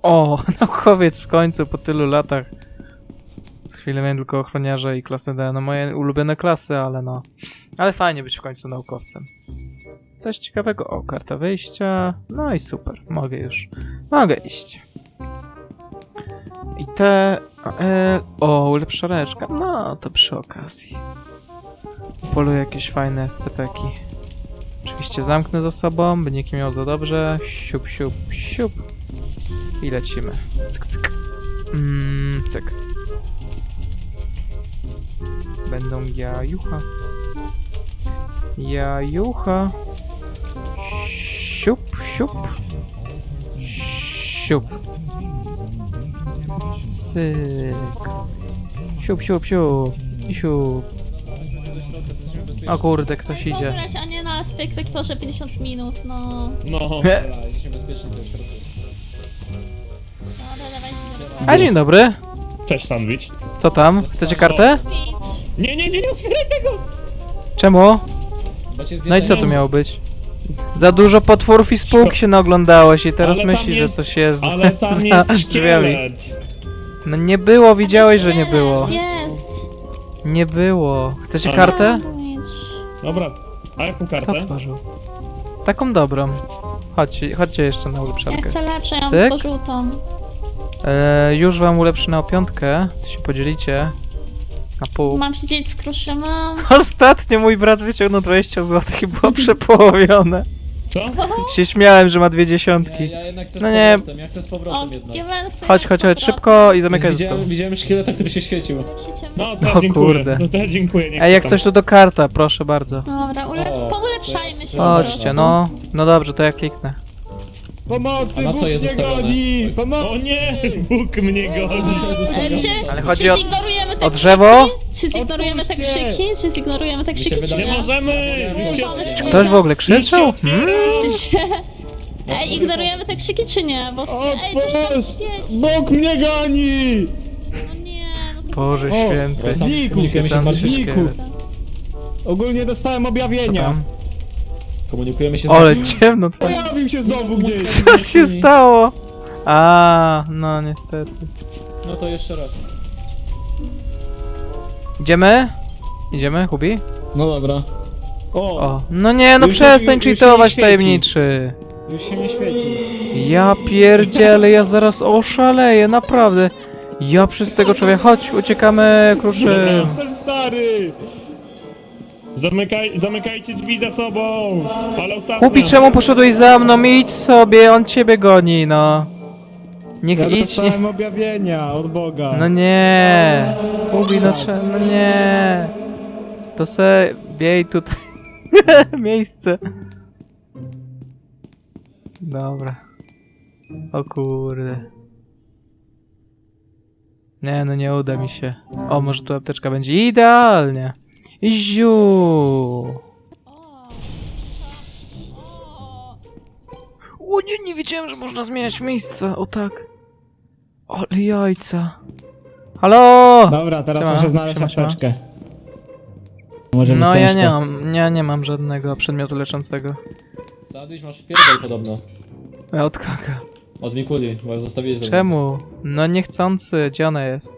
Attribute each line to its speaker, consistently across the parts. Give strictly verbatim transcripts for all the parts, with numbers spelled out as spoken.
Speaker 1: O, naukowiec w końcu po tylu latach. Z chwilę miałem tylko ochroniarza i klasę D. No moje ulubione klasy, ale no. Ale fajnie być w końcu naukowcem. Coś ciekawego. O, karta wyjścia. No i super. Mogę już. Mogę iść. I te... E, o, ulepsza reszka. No, to przy okazji. Poluję jakieś fajne S C P-ki. Oczywiście zamknę za sobą, by nikt nie miał za dobrze. Siup, siup, siup. I lecimy. Cyk, cyk. Mm, cyk. Będą jajucha. Jajucha. Siup, siup. Siup. Cyk. Siup, siup, siup. I siup. O kurde, ktoś idzie.
Speaker 2: Pograć, a nie na spektaktorze pięćdziesiąt minut, no.
Speaker 3: No, dobra, jesteśmy bezpieczni w środku.
Speaker 2: Dobra, dawaj,
Speaker 1: A dzień dobry.
Speaker 4: Cześć, sandwich.
Speaker 1: Co tam? Chcecie kartę?
Speaker 4: Nie, nie, nie, nie otwieraj tego!
Speaker 1: Czemu?
Speaker 3: Bo cię
Speaker 1: No i co
Speaker 3: zjedzą.
Speaker 1: tu miało być? Za dużo potworów i spółk się naoglądałeś i teraz
Speaker 4: Ale tam
Speaker 1: myślisz,
Speaker 4: jest-
Speaker 1: że coś jest
Speaker 4: Ale tam
Speaker 1: za
Speaker 4: jest
Speaker 1: drzwiami.
Speaker 4: szkielet.
Speaker 1: No nie było, widziałeś, że nie było.
Speaker 2: Jest.
Speaker 1: Nie było. Chcecie
Speaker 4: Ale-
Speaker 1: kartę?
Speaker 2: Sandwich.
Speaker 4: Dobra, a jaką
Speaker 1: Kto
Speaker 4: kartę?
Speaker 1: tworzył? Taką dobrą. Chodźcie, chodźcie jeszcze na
Speaker 2: Ja
Speaker 1: ulepszarkę.
Speaker 2: chcę lepsze, ja mam
Speaker 1: Cyk.
Speaker 2: tylko żółtą.
Speaker 1: E, już wam ulepszę na piątkę, to się podzielicie na pół.
Speaker 2: Mam się dzielić z kruszynem.
Speaker 1: Ostatnio mój brat wyciągnął dwadzieścia złotych i było przepołowione.
Speaker 4: Co?
Speaker 1: Się śmiałem, że ma dwie
Speaker 3: Nie,
Speaker 1: dziesiątki.
Speaker 3: ja jednak chcę z
Speaker 1: No nie.
Speaker 3: powrotem, ja chcę z
Speaker 2: O,
Speaker 3: powrotem jednak.
Speaker 2: ja będę chcę
Speaker 1: Chodź,
Speaker 2: jechać
Speaker 1: chodź,
Speaker 2: z
Speaker 1: chodź,
Speaker 2: powrotem.
Speaker 1: szybko i zamykaj ze sobą.
Speaker 3: Widziałem, widziałem szkieleta, który się świecił.
Speaker 2: Życiem.
Speaker 4: No, to
Speaker 1: O
Speaker 4: ja dziękuję.
Speaker 1: kurde.
Speaker 4: No, to ja dziękuję. nie
Speaker 1: Ej, jak
Speaker 4: chcę
Speaker 1: coś to do karta, proszę bardzo.
Speaker 2: Dobra, ule
Speaker 3: O,
Speaker 2: poulepszajmy się po
Speaker 1: Chodźcie,
Speaker 2: prostu.
Speaker 1: no. No dobrze, to ja kliknę.
Speaker 5: Pomocy,
Speaker 3: A na
Speaker 5: Bóg
Speaker 3: co jest
Speaker 5: mnie
Speaker 3: ustawione?
Speaker 5: goni!
Speaker 4: tam.
Speaker 5: Pomocy!
Speaker 4: O nie! Bóg mnie goni.
Speaker 2: E, Czy,
Speaker 1: Ale
Speaker 2: czy
Speaker 1: chodzi o-
Speaker 2: zignorujemy te
Speaker 1: o drzewo?
Speaker 2: krzyki? Czy zignorujemy te
Speaker 5: Otwórzcie!
Speaker 2: krzyki? Czy zignorujemy te
Speaker 3: Mi się
Speaker 2: krzyki, czy
Speaker 3: wydaje-
Speaker 4: Nie
Speaker 2: nie?
Speaker 4: możemy! Już się,
Speaker 2: Możemy.
Speaker 1: Czy ktoś w ogóle krzyczał?
Speaker 4: już się
Speaker 1: Hmm?
Speaker 4: otwiera.
Speaker 2: Myślicie? Ej, ignorujemy te krzyki, czy nie? Bo ej, coś tam
Speaker 5: Otwórz!
Speaker 2: świeci.
Speaker 5: Bóg mnie goni!
Speaker 2: No nie, no to...
Speaker 1: Boże
Speaker 5: O,
Speaker 1: święty.
Speaker 5: znikł,
Speaker 3: Komunikujemy się z
Speaker 1: Świecący
Speaker 3: martwymi.
Speaker 5: znikł.
Speaker 1: szkielet.
Speaker 5: Ogólnie dostałem
Speaker 1: Co
Speaker 5: objawienia.
Speaker 1: tam?
Speaker 3: Komunikujemy się z
Speaker 1: Ale ciemno twoje.
Speaker 5: Pojawił się znowu gdzieś.
Speaker 1: Co się stało? A, no niestety.
Speaker 3: No to jeszcze raz.
Speaker 1: Idziemy? Idziemy, Hubi?
Speaker 5: No dobra. O,
Speaker 1: O, no nie, no
Speaker 5: Już się-
Speaker 1: przestań
Speaker 5: już się nie
Speaker 1: cheatować
Speaker 5: świeci.
Speaker 1: tajemniczy.
Speaker 5: już się nie świeci.
Speaker 1: Ja pierdzielę, ja zaraz oszaleję, naprawdę. Ja przez tego człowieka, chodź, uciekamy, kruszy.
Speaker 5: Jestem stary!
Speaker 4: Zamykaj, zamykajcie drzwi za sobą! Ale ostatnio.
Speaker 1: Hubi, czemu poszedłeś za mną? Idź sobie, on ciebie goni, no. Niech
Speaker 5: Ja
Speaker 1: idź, nie.
Speaker 5: dostałem objawienia od Boga.
Speaker 1: No nie. Hubi, no cze- no nie. To se biej tutaj miejsce. Dobra. O kurde. Nie, no nie uda mi się. O, może tu apteczka będzie idealnie. Ziu.
Speaker 2: O. O.
Speaker 1: O nie, nie wiedziałem, że można zmieniać miejsca. O tak. Ale jajca. Halo!
Speaker 5: Dobra, teraz
Speaker 1: Siema,
Speaker 5: muszę znaleźć
Speaker 1: siema, siema.
Speaker 5: apteczkę. Może być
Speaker 1: No ja
Speaker 5: ciężko.
Speaker 1: nie mam, ja nie mam żadnego przedmiotu leczącego.
Speaker 3: Sandwich masz w pierdol podobno.
Speaker 1: Ja od kogo?
Speaker 3: Od Mikuli, bo zostawiłeś ze mną.
Speaker 1: Czemu? No niechcący, gdzie ona jest?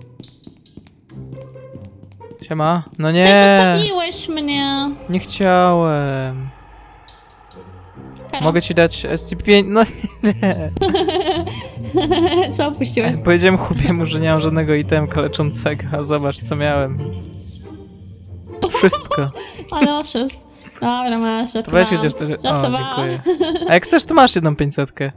Speaker 1: Siema? No
Speaker 2: Ty
Speaker 1: nie,
Speaker 2: zostawiłeś mnie.
Speaker 1: nie chciałem.
Speaker 2: Karol,
Speaker 1: Mogę ci dać S C P pięć? No nie.
Speaker 2: co opuściłeś?
Speaker 1: Powiedziałem Hubiemu, że nie mam żadnego itemka leczącego, a zobacz co miałem. Wszystko.
Speaker 2: Ale oszust. Dobra, masz,
Speaker 1: To weź
Speaker 2: żartowałam.
Speaker 1: chociaż też... O,
Speaker 2: Żartowałam.
Speaker 1: dziękuję. A jak chcesz, to masz jedną pięćsetkę.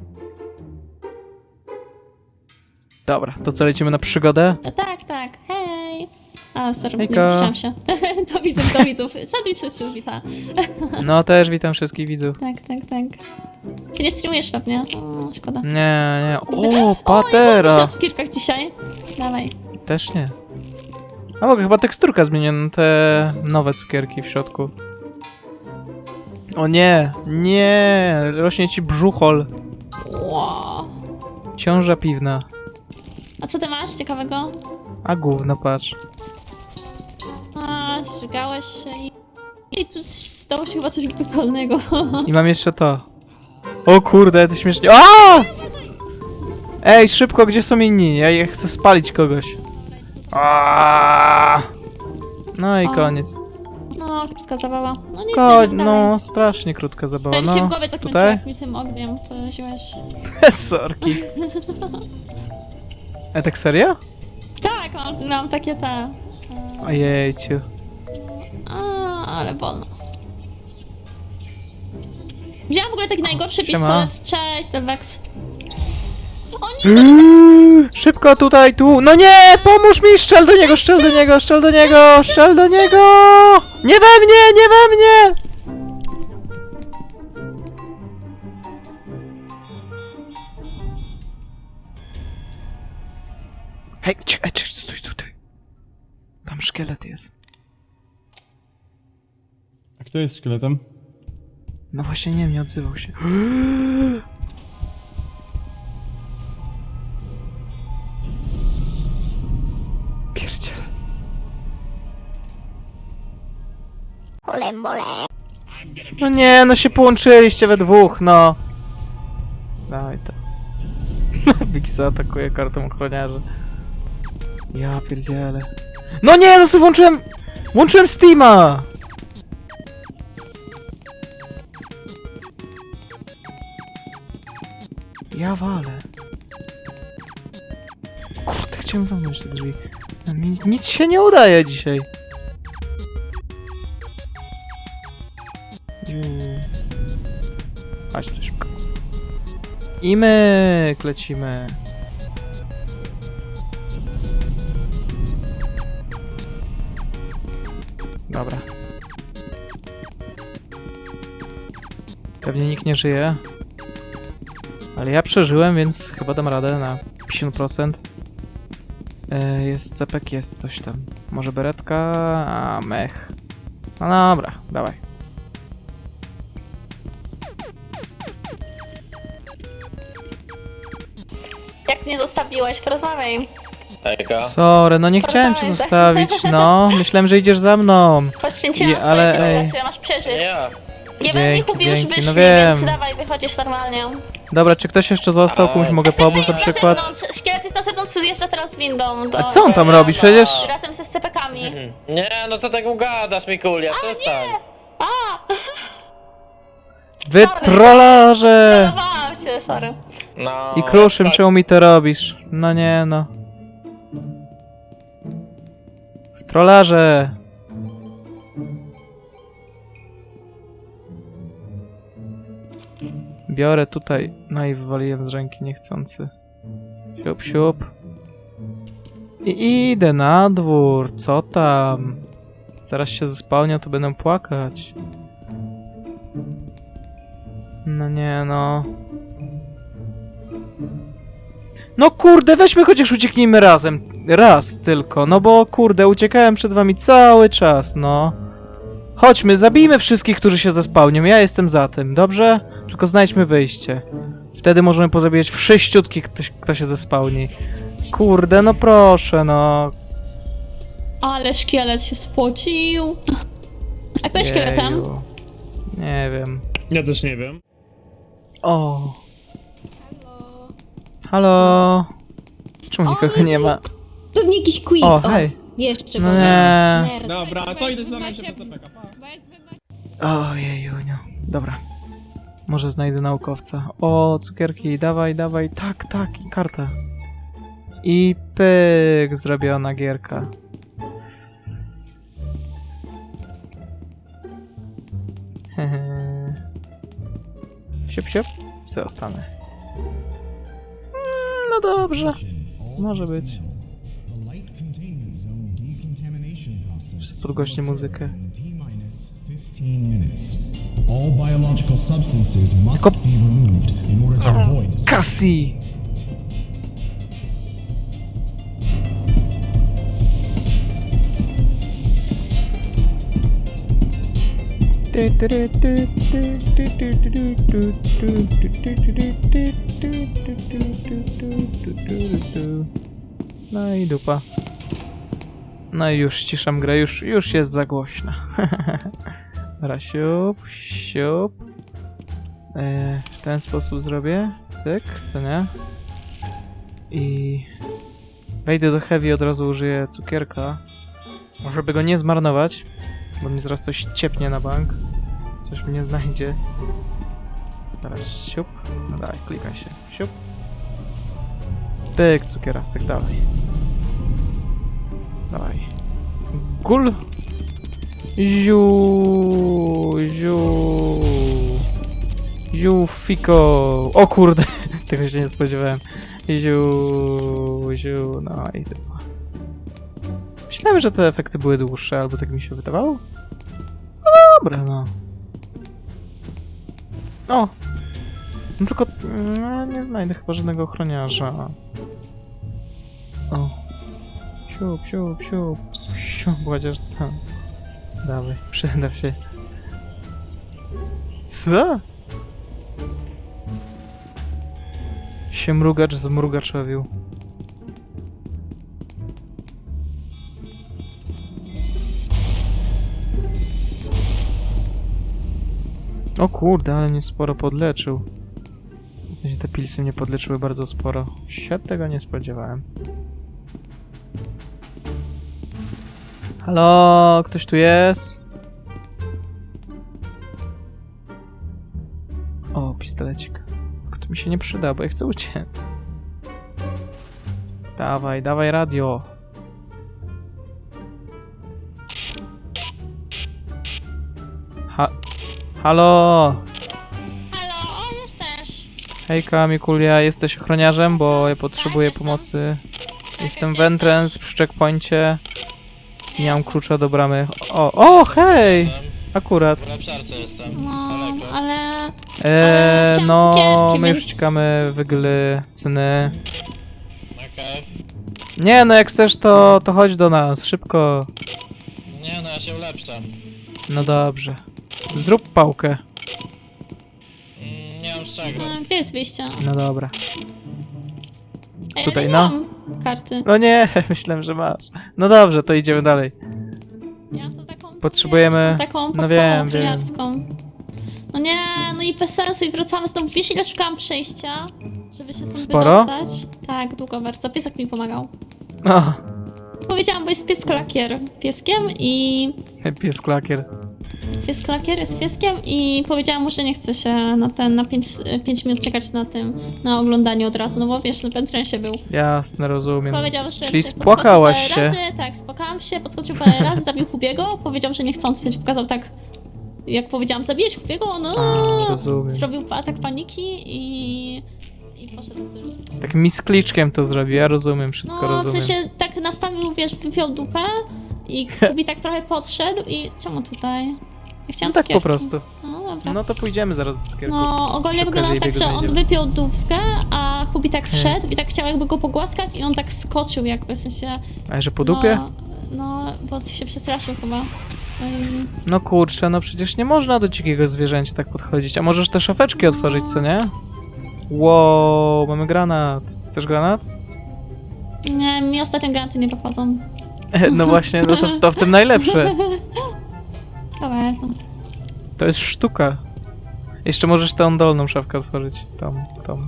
Speaker 1: Dobra, to co, lecimy na przygodę?
Speaker 2: No tak, tak, hej. A, sorry,
Speaker 1: Hejko.
Speaker 2: nie wytrzymam się. Do widzów, do widzów. Sandwich się już wita.
Speaker 1: No też witam wszystkich widzów.
Speaker 2: Tak, tak, tak. Ty nie streamujesz pewnie? O, szkoda.
Speaker 1: Nie, nie. O,
Speaker 2: Jeszcze
Speaker 1: patera!
Speaker 2: na cukierkach dzisiaj. Dawaj.
Speaker 1: Też nie. A w ogóle chyba teksturka zmieniona, te nowe cukierki w środku. O nie, nie, rośnie ci brzuchol.
Speaker 2: Wow.
Speaker 1: Ciąża piwna.
Speaker 2: A co ty masz ciekawego?
Speaker 1: A gówno, patrz.
Speaker 2: A, żygałeś się i... I tu stało się chyba coś brutalnego.
Speaker 1: I mam jeszcze to. O kurde, to śmiesznie. A! Ej, szybko, gdzie są inni? Ja je chcę spalić kogoś. Aaaa! No i
Speaker 2: O.
Speaker 1: koniec.
Speaker 2: No, krótka zabawa. No nic,
Speaker 1: Ko
Speaker 2: jedziemy dalej.
Speaker 1: no, strasznie krótka zabawa,
Speaker 2: Ja mi się w
Speaker 1: no.
Speaker 2: głowie zakręciło,
Speaker 1: Tutaj?
Speaker 2: jak mi tym ogniem poraziłeś.
Speaker 1: Sorki. E, tak serio?
Speaker 2: Tak, mam, mam takie te...
Speaker 1: Ojejciu.
Speaker 2: A, ale wolno. Wziąłem w ogóle taki najgorszy
Speaker 1: Siema.
Speaker 2: pistolet. Cześć, Delvex. O nie!
Speaker 1: Szybko tutaj, tu. No nie! Pomóż mi! Strzel do niego, strzel do niego, strzel do niego, strzel do niego! Nie we mnie, nie we mnie! Hej, czekaj, czekaj, stój tutaj. Tam szkielet jest.
Speaker 5: A kto jest szkieletem?
Speaker 1: No właśnie nie, nie odzywał się. Pierdziele. No nie, no się połączyliście we dwóch, no. Dawaj to. Bix atakuje kartą ochroniarza. Ja pierdzielę. No nie, no sobie włączyłem... Włączyłem Steama! Ja walę. Kurde, chciałem zamknąć te drzwi. No mi nic się nie udaje dzisiaj. Mm. Chodź tu szybko. I my lecimy. Dobra. Pewnie nikt nie żyje. Ale ja przeżyłem, więc chyba dam radę na pięćdziesiąt procent. E, jest cepek, jest coś tam. Może beretka? A, mech. No dobra, dawaj.
Speaker 2: Jak mnie zostawiłeś, porozmawiaj.
Speaker 6: Ejka.
Speaker 1: Sorry, no nie chciałem cię zostawić, no. Myślałem, że idziesz za mną.
Speaker 2: Poświęciłam
Speaker 1: Je- ale
Speaker 2: swoje
Speaker 1: ej.
Speaker 2: siły, masz przeżyć.
Speaker 6: Ja.
Speaker 2: Nie będę ich
Speaker 1: Dzięki,
Speaker 2: mówił, już
Speaker 1: dzięki,
Speaker 2: wyszli,
Speaker 1: no wiem.
Speaker 2: więc dawaj, wychodzisz normalnie.
Speaker 1: Dobra, czy ktoś jeszcze został? Komuś mogę pomóc na przykład?
Speaker 2: Zewnątrz, szkielet jest na zewnątrz, zjeżdża teraz windą. Do...
Speaker 1: A co on tam robi? Przecież...
Speaker 2: Razem ze scepekami.
Speaker 6: Mhm. Nie, no co tak gadasz, Mikulia, przestań.
Speaker 2: A!
Speaker 1: Wy trollarze!
Speaker 2: Zdenerwowałam się, sorry.
Speaker 6: No.
Speaker 1: I Kruszym,
Speaker 6: tak.
Speaker 1: czemu mi to robisz? No nie, no. W trollarze! Biorę tutaj, no i wywaliłem z ręki niechcący. Siup, siup. I idę na dwór, co tam? Zaraz się zespałnią, to będę płakać. No nie, no. No kurde, weźmy chociaż ucieknijmy razem. Raz tylko, no bo kurde, uciekałem przed wami cały czas, no. Chodźmy, zabijmy wszystkich, którzy się zespałnią, ja jestem za tym, dobrze? Tylko znajdźmy wyjście. Wtedy możemy pozabijać wszyściutkich, kto, kto się zespałni. Kurde, no proszę, no.
Speaker 2: Ale szkielet się spocił. A kto jest szkieletem?
Speaker 1: Jeju. Nie wiem.
Speaker 4: Ja też nie wiem.
Speaker 1: O. Halo. Czemu nikogo nie ma?
Speaker 7: Pewnie jakiś quit.
Speaker 1: O, hej.
Speaker 7: Jeszcze
Speaker 1: No
Speaker 7: go.
Speaker 1: nie.
Speaker 7: Nerd.
Speaker 5: Dobra, to idę z nami jeszcze P C P K.
Speaker 1: Ojejuniu. Dobra. Może znajdę naukowca. O, cukierki, dawaj, dawaj. Tak, tak, i karta. I pyk, zrobiona gierka. Hehe. Siup, siup. Zostanę. Mm, no dobrze. Może być. Podgłośnie muzykę.
Speaker 8: All biological substances must
Speaker 1: Tylko-
Speaker 8: be removed in order to avoid
Speaker 1: Cassie! No i dupa. No i już ściszam grę, już, już jest za głośna. Dobra, siup, siup. E, w ten sposób zrobię. Cyk, co nie? I wejdę do Heavy i od razu użyję cukierka, żeby go nie zmarnować, bo mi zaraz coś ciepnie na bank. Coś mnie znajdzie. Teraz siup. No daj, klikaj się. Siup. Pyk, cukierasek, dawaj. Dawaj. Gul. Ziu. Ziu. Ziu, fiko. O kurde, tego się nie spodziewałem. Ziu. Ziu, no i chyba. Myślałem, że te efekty były dłuższe, albo tak mi się wydawało. No dobra, no. O! No tylko no, nie znajdę chyba żadnego ochroniarza. O. Siup, siup, siup. Siup, chociaż tam. Dawaj, przyda się. Co? Się mrugacz zmrugaczowił. O kurde, ale mnie sporo podleczył. W sensie te pilsy mnie podleczyły bardzo sporo. Się tego nie spodziewałem. Halo, ktoś tu jest? O, pistolecik. Kto mi się nie przyda, bo ja chcę uciec. Dawaj, dawaj radio. Ha... Halo!
Speaker 2: Halo, o, jesteś.
Speaker 1: Hejka, Mikulia, jesteś ochroniarzem, bo ja potrzebuję
Speaker 2: jestem.
Speaker 1: pomocy. Jestem
Speaker 2: gdzie
Speaker 1: w entrance
Speaker 2: jesteś?
Speaker 1: przy checkpoincie. Nie mam klucza do bramy. O, o, hej! Akurat.
Speaker 7: W lepszarce jestem.
Speaker 2: No,
Speaker 7: Daleko.
Speaker 2: ale...
Speaker 1: Eee,
Speaker 2: chciałam
Speaker 1: no,
Speaker 2: cukierki,
Speaker 1: my już
Speaker 2: więc-
Speaker 1: czekamy wygly cyny.
Speaker 7: Okej.
Speaker 1: Nie, no jak chcesz, to, to chodź do nas, szybko.
Speaker 7: Nie no, ja się ulepszam.
Speaker 1: No dobrze. Zrób pałkę.
Speaker 7: Mm, nie mam z czego.
Speaker 2: A, gdzie jest wyjście?
Speaker 1: No dobra.
Speaker 2: Ej,
Speaker 1: Tutaj,
Speaker 2: ale nie
Speaker 1: no.
Speaker 2: mam karty.
Speaker 1: No nie, myślałem, że masz. No dobrze, to idziemy dalej.
Speaker 2: Ja mam to taką...
Speaker 1: Potrzebujemy-
Speaker 2: wiesz, tą taką
Speaker 1: no
Speaker 2: podstawową
Speaker 1: wiem, wiem.
Speaker 2: ochroniarską. No nie, no i bez sensu i wracamy znowu. Wiesz ile szukałam przejścia, żeby się stąd
Speaker 1: Sporo?
Speaker 2: wydostać? Tak, długo bardzo. Piesek mi pomagał.
Speaker 1: No,
Speaker 2: Powiedziałam, bo jest pies klakier pieskiem i...
Speaker 1: pies klakier.
Speaker 2: Pies klakier jest pieskiem i powiedziałam mu, że nie chce się na ten, na pięć minut czekać na tym, na oglądaniu od razu, no bo wiesz, w entrensie był.
Speaker 1: Jasne, rozumiem.
Speaker 2: Powiedział, że
Speaker 1: Czyli
Speaker 2: się
Speaker 1: spłakałaś
Speaker 2: podskoczył
Speaker 1: się.
Speaker 2: parę razy, tak, spłakałam się, podskoczył parę razy, zabił Hubiego, powiedział, że nie chcąc, więc pokazał tak, jak powiedziałam, zabijesz Hubiego, no,
Speaker 1: A, rozumiem.
Speaker 2: zrobił atak paniki i, i poszedł też.
Speaker 1: Tak miskliczkiem to zrobił, ja rozumiem, wszystko
Speaker 2: No, w
Speaker 1: rozumiem.
Speaker 2: sensie tak nastawił, wiesz, wypiął dupę i Hubi tak trochę podszedł i czemu tutaj? Ja
Speaker 1: No
Speaker 2: chciałam
Speaker 1: tak po
Speaker 2: cukierki.
Speaker 1: prostu.
Speaker 2: No dobra.
Speaker 1: No to pójdziemy zaraz do cukierków.
Speaker 2: No, ogólnie
Speaker 1: Przy
Speaker 2: wyglądało
Speaker 1: okazji
Speaker 2: tak, że
Speaker 1: jego
Speaker 2: on
Speaker 1: znajdziemy.
Speaker 2: wypiął dupkę, a Hubi tak wszedł i tak chciał jakby go pogłaskać i on tak skoczył jakby, w sensie...
Speaker 1: A że po dupie?
Speaker 2: No, no bo się przestraszył chyba. No i...
Speaker 1: No kurczę, no przecież nie można do dzikiego zwierzęcia tak podchodzić. A możesz te szafeczki otworzyć, co nie? Wow, mamy granat. Chcesz granat?
Speaker 2: Nie, mi ostatnio granaty nie dochodzą.
Speaker 1: No właśnie, no to, to w tym najlepsze.
Speaker 2: Dobra.
Speaker 1: To jest sztuka. Jeszcze możesz tą dolną szafkę otworzyć. Tą, tą.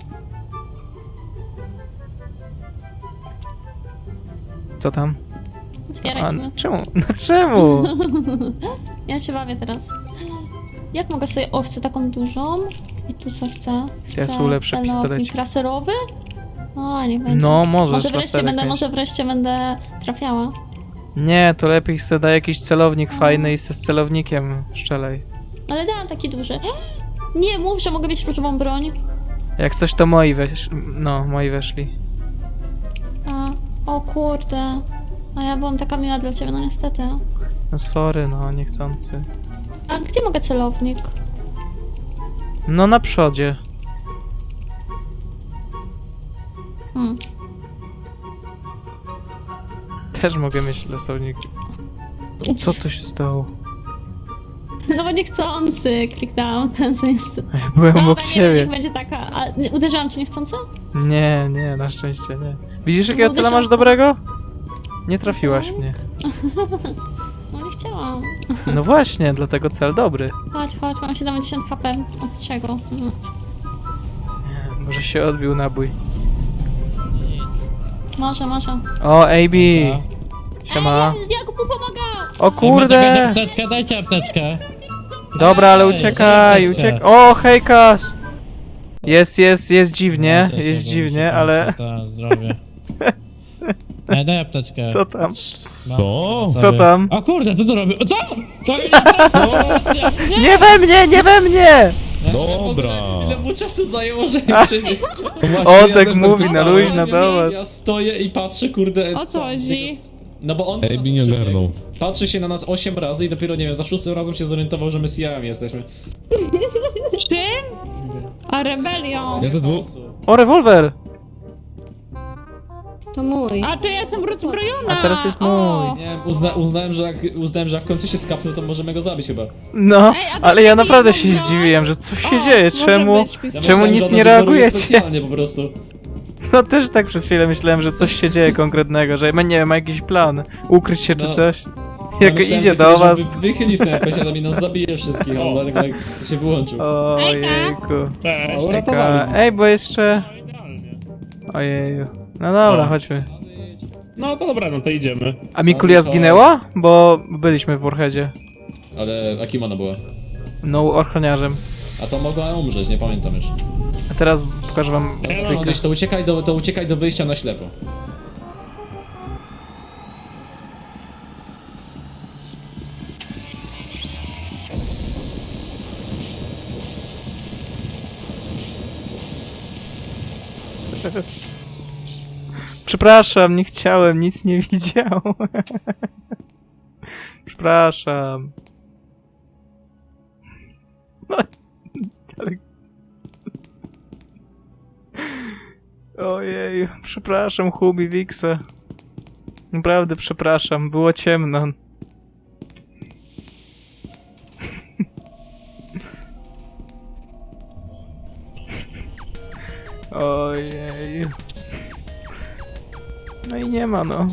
Speaker 1: Co tam?
Speaker 2: Otwieraj
Speaker 1: A,
Speaker 2: sobie.
Speaker 1: czemu? No czemu?
Speaker 2: Ja się bawię teraz. Jak mogę sobie... O, chcę taką dużą. I tu co chcę? Chcę
Speaker 1: Ja sobie ulepszę
Speaker 2: celownik
Speaker 1: pistolecik.
Speaker 2: laserowy? O, niech będzie.
Speaker 1: No, możesz
Speaker 2: Może wreszcie
Speaker 1: laserek
Speaker 2: będę,
Speaker 1: mieć.
Speaker 2: może wreszcie będę trafiała.
Speaker 1: Nie, to lepiej se daj jakiś celownik fajny i se z celownikiem szczelej.
Speaker 2: Ale dałam taki duży. Nie mów, że mogę mieć różową broń.
Speaker 1: Jak coś to moi wesz... No, moi weszli.
Speaker 2: A, o kurde. A ja byłam taka miła dla ciebie, no niestety.
Speaker 1: No sorry, no, niechcący.
Speaker 2: A gdzie mogę celownik?
Speaker 1: No na przodzie.
Speaker 2: Hmm.
Speaker 1: Też mogę mieć lesownik.
Speaker 2: Ups.
Speaker 1: Co tu się stało?
Speaker 2: No bo niechcący kliknęłam ten, co jest...
Speaker 1: Ja byłem obok
Speaker 2: nie,
Speaker 1: ciebie.
Speaker 2: niech będzie taka... A nie, uderzyłam cię niechcący?
Speaker 1: Nie, nie, na szczęście nie. Widzisz, jakiego
Speaker 2: Mogę
Speaker 1: cela
Speaker 2: się-
Speaker 1: masz dobrego? Nie trafiłaś w mnie.
Speaker 2: No nie chciałam.
Speaker 1: No właśnie, dlatego cel dobry.
Speaker 2: Chodź, chodź, mam siedemdziesiąt H P. Od czego? Mhm.
Speaker 1: Nie, może się odbił nabój.
Speaker 2: Może, może.
Speaker 1: O, A B. Siema.
Speaker 2: Ej, ja mu pomagam!
Speaker 1: O kurde!
Speaker 7: Apteczkę, dajcie apteczkę.
Speaker 1: Dobra, ale
Speaker 7: Ej,
Speaker 1: uciekaj,
Speaker 7: apteczkę.
Speaker 1: uciekaj. O, hejkas! Jest, jest, jest dziwnie, jest dziwnie, ale...
Speaker 7: Tak, zdrowie. Ej, daj apteczkę.
Speaker 1: Co tam?
Speaker 5: Co?
Speaker 1: Co tam?
Speaker 7: O kurde, co tu robię? O, co? Co?
Speaker 1: Nie we mnie, nie we mnie!
Speaker 5: Dobra.
Speaker 3: Ile mu czasu zajęło, że ja przebiegł?
Speaker 1: On tak mówi na luźno do was.
Speaker 3: Ja stoję i patrzę, kurde...
Speaker 9: O co chodzi?
Speaker 3: No bo on...
Speaker 5: Ej, nie ogarnął.
Speaker 3: Patrzy się na nas osiem razy i dopiero, nie wiem, za szóstym razem się zorientował, że my C I A-ami jesteśmy.
Speaker 9: Czym? A rebelią.
Speaker 5: Ja to dwóch.
Speaker 1: O, rewolwer!
Speaker 2: To mój.
Speaker 9: A to ja jestem rozbrojona.
Speaker 1: A teraz jest mój.
Speaker 9: O.
Speaker 3: Nie wiem, uzna, uznałem, że jak, uznałem, że jak w końcu się skapnął, to możemy go zabić chyba.
Speaker 1: No,
Speaker 9: Ej, a
Speaker 1: ale ja
Speaker 9: dlaczego
Speaker 1: naprawdę
Speaker 9: ja
Speaker 1: się
Speaker 9: mam broń?
Speaker 1: zdziwiłem, że coś się
Speaker 9: O,
Speaker 1: dzieje,
Speaker 9: może
Speaker 1: czemu...
Speaker 9: być pistolet.
Speaker 3: Ja
Speaker 1: Czemu
Speaker 3: myślałem,
Speaker 1: nic
Speaker 3: że ona
Speaker 1: nie
Speaker 3: zaboruje
Speaker 1: reagujecie?
Speaker 3: specjalnie po prostu.
Speaker 1: No też tak przez chwilę myślałem, że coś się dzieje konkretnego, że nie wiem, ma jakiś plan, ukryć się czy
Speaker 3: No.
Speaker 1: coś.
Speaker 3: Ja
Speaker 1: Jak
Speaker 3: myślałem,
Speaker 1: idzie
Speaker 3: że
Speaker 1: do
Speaker 3: kiedyś
Speaker 1: was...
Speaker 3: Wy, wychyli snajpę, ale nas zabije wszystkich, ale dlatego tak się wyłączył.
Speaker 1: Ojejku.
Speaker 4: Cześć.
Speaker 1: Czeka. Ej, bo jeszcze...
Speaker 4: No, idealnie.
Speaker 1: Ojeju. No dobra,
Speaker 4: O.
Speaker 1: chodźmy.
Speaker 4: No to dobra, no to idziemy.
Speaker 1: A Mikulia zginęła? Bo byliśmy w Warheadzie.
Speaker 3: Ale a kim ona była?
Speaker 1: No, ochroniarzem.
Speaker 3: A to mogła umrzeć, nie pamiętam już.
Speaker 1: A teraz pokażę wam
Speaker 4: Ej, no,
Speaker 1: trykę.
Speaker 3: Mogłeś, to uciekaj do, to uciekaj do wyjścia na ślepo.
Speaker 1: Przepraszam, nie chciałem, nic nie widziałem. Przepraszam. No, ale... Ojej, przepraszam, Hubi, Wiksa. Naprawdę przepraszam, było ciemno. Ojej. No i nie ma, no.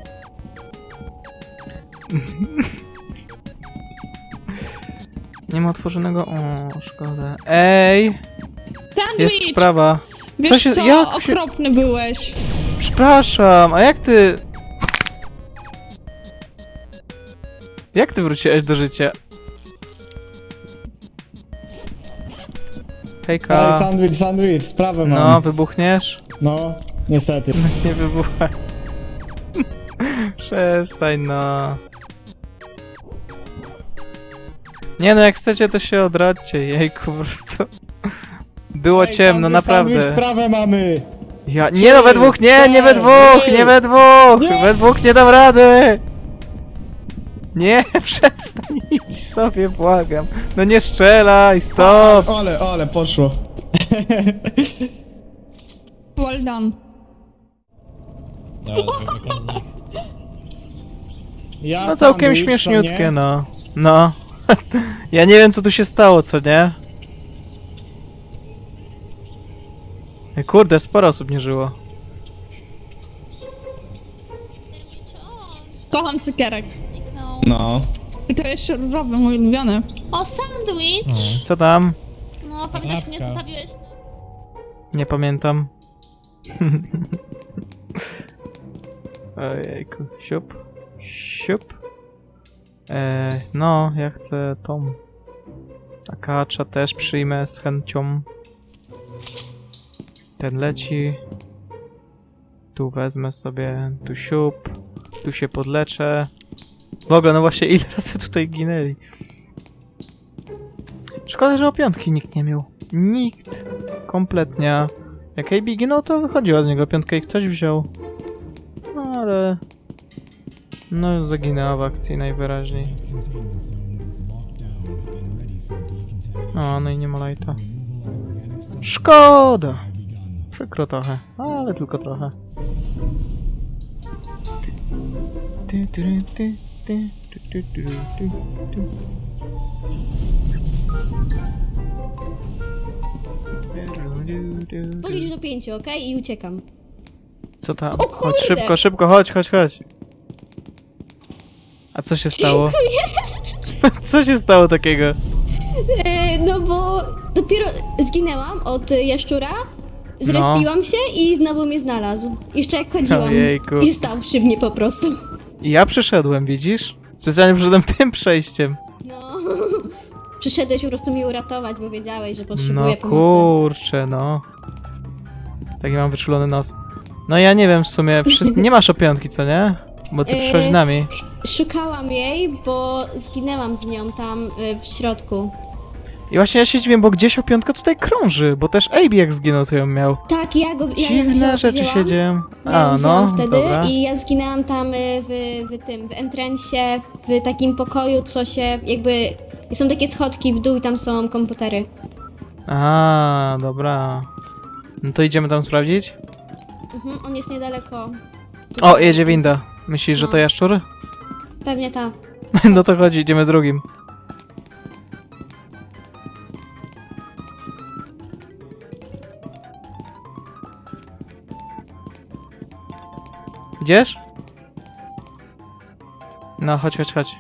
Speaker 1: Nie ma otworzonego... O, szkoda. Ej!
Speaker 9: Sandwich!
Speaker 1: Jest sprawa.
Speaker 9: Wiesz
Speaker 1: Co się...
Speaker 9: co?
Speaker 1: Jak się...
Speaker 9: Okropny byłeś.
Speaker 1: Przepraszam, a jak ty... Jak ty wróciłeś do życia?
Speaker 10: Ej,
Speaker 1: Hejka.
Speaker 10: sandwich, sandwich, sprawę mam.
Speaker 1: No, wybuchniesz?
Speaker 10: No, niestety.
Speaker 1: Nie wybuchaj. Przestań, no. Nie no, jak chcecie, to się odradźcie. Jejku, po prostu. Było
Speaker 10: Ej,
Speaker 1: ciemno,
Speaker 10: sandwich, Sandwich,
Speaker 1: naprawdę.
Speaker 10: sprawę mamy!
Speaker 1: Ja... Nie no, we dwóch, nie, nie we dwóch, nie we dwóch!
Speaker 10: Nie.
Speaker 1: We dwóch nie dam rady! Nie, przestań, idź sobie, błagam. No nie strzelaj, stop!
Speaker 10: Ale, ale, poszło.
Speaker 9: Well done.
Speaker 7: Dobra, zamykam z nich.
Speaker 10: Ja
Speaker 1: No całkiem
Speaker 10: sandwich, co
Speaker 1: śmieszniutkie,
Speaker 10: nie?
Speaker 1: no. No. Ja nie wiem, co tu się stało, co nie? Ej, kurde, sporo osób nie żyło.
Speaker 9: Kocham cukierek.
Speaker 2: No.
Speaker 5: No.
Speaker 9: I to jeszcze różowy, mój ulubiony.
Speaker 2: O, sandwich!
Speaker 1: Co tam?
Speaker 2: No, pamiętasz, mnie
Speaker 7: Kanapka.
Speaker 2: zostawiłeś?
Speaker 1: Nie pamiętam. Ojejku. Siup. Siup. Eee, no, ja chcę tą. Akacza też przyjmę z chęcią. Ten leci. Tu wezmę sobie, tu siup. Tu się podleczę. W ogóle, no właśnie, ile razy tutaj ginęli. Szkoda, że o piątki nikt nie miał. Nikt. Kompletnie. Jak A B ginął, to wychodziła z niego piątka i ktoś wziął. No ale... No zaginęła w akcji najwyraźniej. O, no i nie ma lighta. Szkoda! Przykro trochę, ale tylko trochę. Ty, ty, ty, ty, ty, ty, ty, ty, ty.
Speaker 11: Policz do pięciu, okej? I uciekam.
Speaker 1: Co tam?
Speaker 11: O
Speaker 1: Chodź
Speaker 11: kurde!
Speaker 1: szybko, szybko, chodź, chodź, chodź. A co się stało? Co się stało takiego?
Speaker 11: E, no bo dopiero zginęłam od jaszczura Zrespiłam się i znowu mnie znalazł. Jeszcze jak chodziłam.
Speaker 1: Ojejku.
Speaker 11: I stał przy mnie po prostu.
Speaker 1: I ja przyszedłem, widzisz? Specjalnie przyszedłem tym przejściem.
Speaker 11: No. Przyszedłeś po prostu mnie uratować, bo wiedziałeś, że
Speaker 1: No
Speaker 11: potrzebuję pomocy.
Speaker 1: kurczę, no. Taki mam wyczulony nos. No ja nie wiem w sumie, wszyscy... nie masz o piątki, co nie? Bo ty
Speaker 11: Yy,
Speaker 1: przyszłaś z nami.
Speaker 11: Szukałam jej, bo zginęłam z nią tam y, w środku.
Speaker 1: I właśnie ja się dziwię, bo gdzieś o piątkę tutaj krąży, bo też Abe jak zginął, to ją miał.
Speaker 11: Tak, ja go ja ją
Speaker 1: Dziwne
Speaker 11: wzięłam-
Speaker 1: rzeczy się
Speaker 11: wzięłam.
Speaker 1: dzieją.
Speaker 11: Ja
Speaker 1: A,
Speaker 11: ją wzięłam
Speaker 1: no,
Speaker 11: wtedy
Speaker 1: dobra.
Speaker 11: i ja zginęłam tam y, w, w tym, w entrensie, w takim pokoju, co się jakby... Są takie schodki w dół i tam są komputery.
Speaker 1: A, dobra. No to idziemy tam sprawdzić?
Speaker 11: Mhm, on jest niedaleko.
Speaker 1: O, jedzie winda. Myślisz, że
Speaker 11: No.
Speaker 1: to jaszczur?
Speaker 11: Pewnie ta.
Speaker 1: No to chodzi, idziemy drugim. Idziesz? No, chodź, chodź, chodź.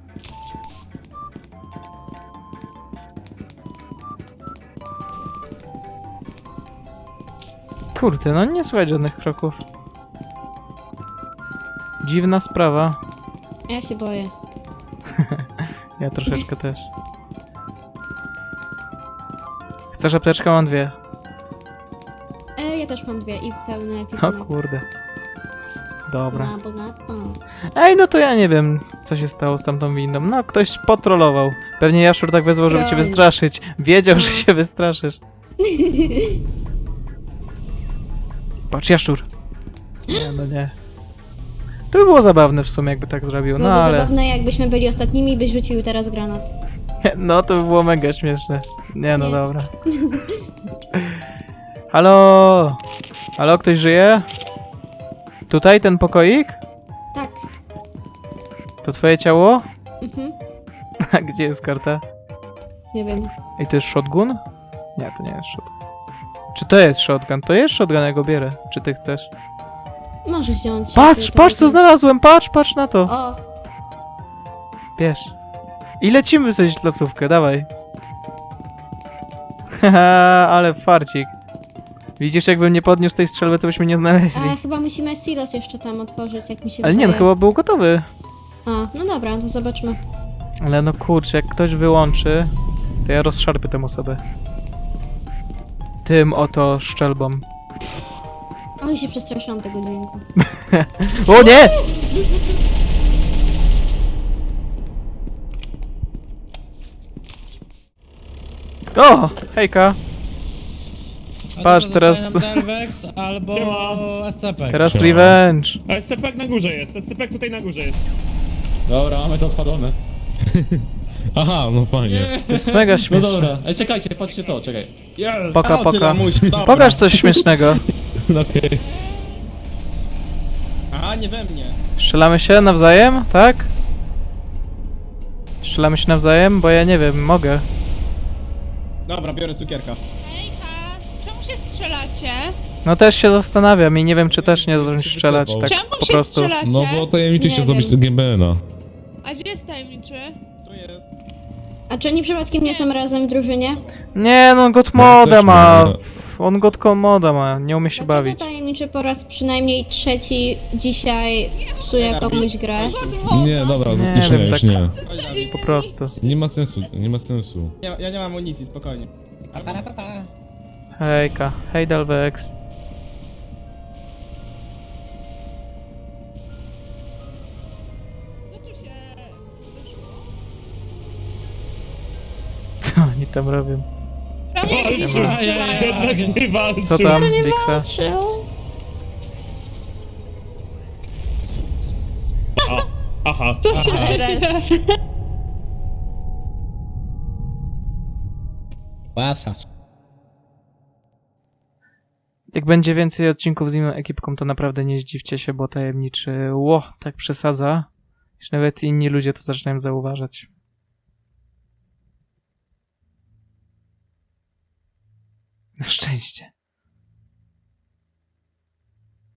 Speaker 1: Kurde, no nie słychać żadnych kroków. Dziwna sprawa.
Speaker 11: Ja się boję.
Speaker 1: Ja troszeczkę też. Chcesz apteczkę? Mam dwie.
Speaker 11: E, ja też mam dwie i pełne
Speaker 1: O
Speaker 11: ekwipunek.
Speaker 1: kurde. Dobra.
Speaker 11: Na bogato.
Speaker 1: Ej, no to ja nie wiem, co się stało z tamtą windą. No, ktoś potrolował. Pewnie Jaszczur tak wezwał, żeby cię
Speaker 11: Broń.
Speaker 1: wystraszyć. Wiedział, że
Speaker 11: No.
Speaker 1: się wystraszysz. Patrz, Jaszczur. Nie, no nie. To by było zabawne w sumie, jakby tak zrobił, no
Speaker 11: Byłoby
Speaker 1: ale...
Speaker 11: zabawne, jakbyśmy byli ostatnimi i byś rzucił teraz granat.
Speaker 1: No, to by było mega śmieszne. Nie, no
Speaker 11: Nie.
Speaker 1: dobra. Halo? Halo, ktoś żyje? Tutaj, ten pokoik?
Speaker 11: Tak.
Speaker 1: To twoje ciało?
Speaker 11: Mhm.
Speaker 1: A gdzie jest karta?
Speaker 11: Nie wiem.
Speaker 1: Ej, to jest shotgun? Nie, to nie jest shotgun. Czy to jest shotgun? To jest shotgun, ja go bierę. Czy ty chcesz?
Speaker 11: Możesz wziąć.
Speaker 1: Patrz,
Speaker 11: jeśli to
Speaker 1: patrz co
Speaker 11: będzie-
Speaker 1: znalazłem, patrz, patrz na to.
Speaker 11: O,
Speaker 1: Bierz. I lecimy wysadzić placówkę, dawaj. Haha, ale farcik. Widzisz, jakbym nie podniósł tej strzelby, to byśmy nie znaleźli.
Speaker 11: a chyba musimy silos jeszcze tam otworzyć, jak mi się
Speaker 1: Ale nie, no
Speaker 11: wydaje.
Speaker 1: chyba był gotowy.
Speaker 11: A, no dobra, to zobaczmy.
Speaker 1: Ale no kurczę, jak ktoś wyłączy, to ja rozszarpię tę osobę. Tym oto szczelbą.
Speaker 11: Ale się przestraszyłam tego dźwięku.
Speaker 1: O nie! O! Hejka!
Speaker 7: A
Speaker 1: Patrz,
Speaker 7: to
Speaker 1: teraz-
Speaker 7: zostaje nam Delvex albo
Speaker 4: Siema.
Speaker 7: S C P.
Speaker 1: Teraz
Speaker 5: Siema.
Speaker 1: revenge!
Speaker 4: A S C P na górze jest, S C P tutaj na górze jest.
Speaker 3: Dobra, mamy to odpalone.
Speaker 5: Aha, no fajnie.
Speaker 1: To jest mega
Speaker 3: No
Speaker 1: śmieszne.
Speaker 3: dobra, ej czekajcie, patrzcie to, czekaj.
Speaker 4: Jest!
Speaker 1: Poka,
Speaker 10: O, ty
Speaker 1: poka.
Speaker 10: lamuś, dobra.
Speaker 1: Pokaż coś śmiesznego.
Speaker 5: No okej.
Speaker 10: A, nie we mnie.
Speaker 1: Strzelamy się nawzajem, tak? Strzelamy się nawzajem, bo ja nie wiem, mogę.
Speaker 10: Dobra, biorę cukierka.
Speaker 9: Hejka, czemu się strzelacie?
Speaker 1: No też się zastanawiam i nie wiem, czy też nie zacząć strzelać tak
Speaker 9: Czemu
Speaker 1: po
Speaker 9: się
Speaker 1: prostu.
Speaker 9: strzelacie?
Speaker 5: No bo tajemniczy
Speaker 11: Nie
Speaker 5: chciał zrobić
Speaker 11: wiem.
Speaker 5: G B N a.
Speaker 9: A gdzie jest tajemniczy?
Speaker 10: Tu jest.
Speaker 11: A czy oni przypadkiem nie są razem w drużynie?
Speaker 1: Nie, no on god
Speaker 5: No,
Speaker 1: moda
Speaker 5: też
Speaker 1: ma.
Speaker 5: nie.
Speaker 1: On god moda ma, nie umie się
Speaker 11: Dlaczego
Speaker 1: bawić.
Speaker 11: tajemniczy po raz przynajmniej trzeci dzisiaj psuje komuś grę?
Speaker 5: Nie, dobra,
Speaker 1: Nie
Speaker 5: już
Speaker 1: wiem,
Speaker 5: nie, już
Speaker 1: tak-
Speaker 5: nie.
Speaker 10: Chodź, Dawid.
Speaker 1: Po prostu.
Speaker 5: Nie ma sensu, nie ma sensu.
Speaker 10: Ja, ja nie mam amunicji, spokojnie.
Speaker 1: Hejka, hej Delvex.
Speaker 9: Zaczął się...
Speaker 1: Co oni tam robią?
Speaker 9: Czemu się
Speaker 4: Walczył!
Speaker 9: strzelają?
Speaker 4: Jednak nie walczył!
Speaker 1: Co tam, Dixa?
Speaker 4: A, aha,
Speaker 9: Co się
Speaker 4: aha.
Speaker 9: dzieje?
Speaker 7: Łatwa.
Speaker 1: Jak będzie więcej odcinków z inną ekipką, to naprawdę nie zdziwcie się, bo tajemniczy ło, tak przesadza, iż nawet inni ludzie to zaczynają zauważać. Na szczęście.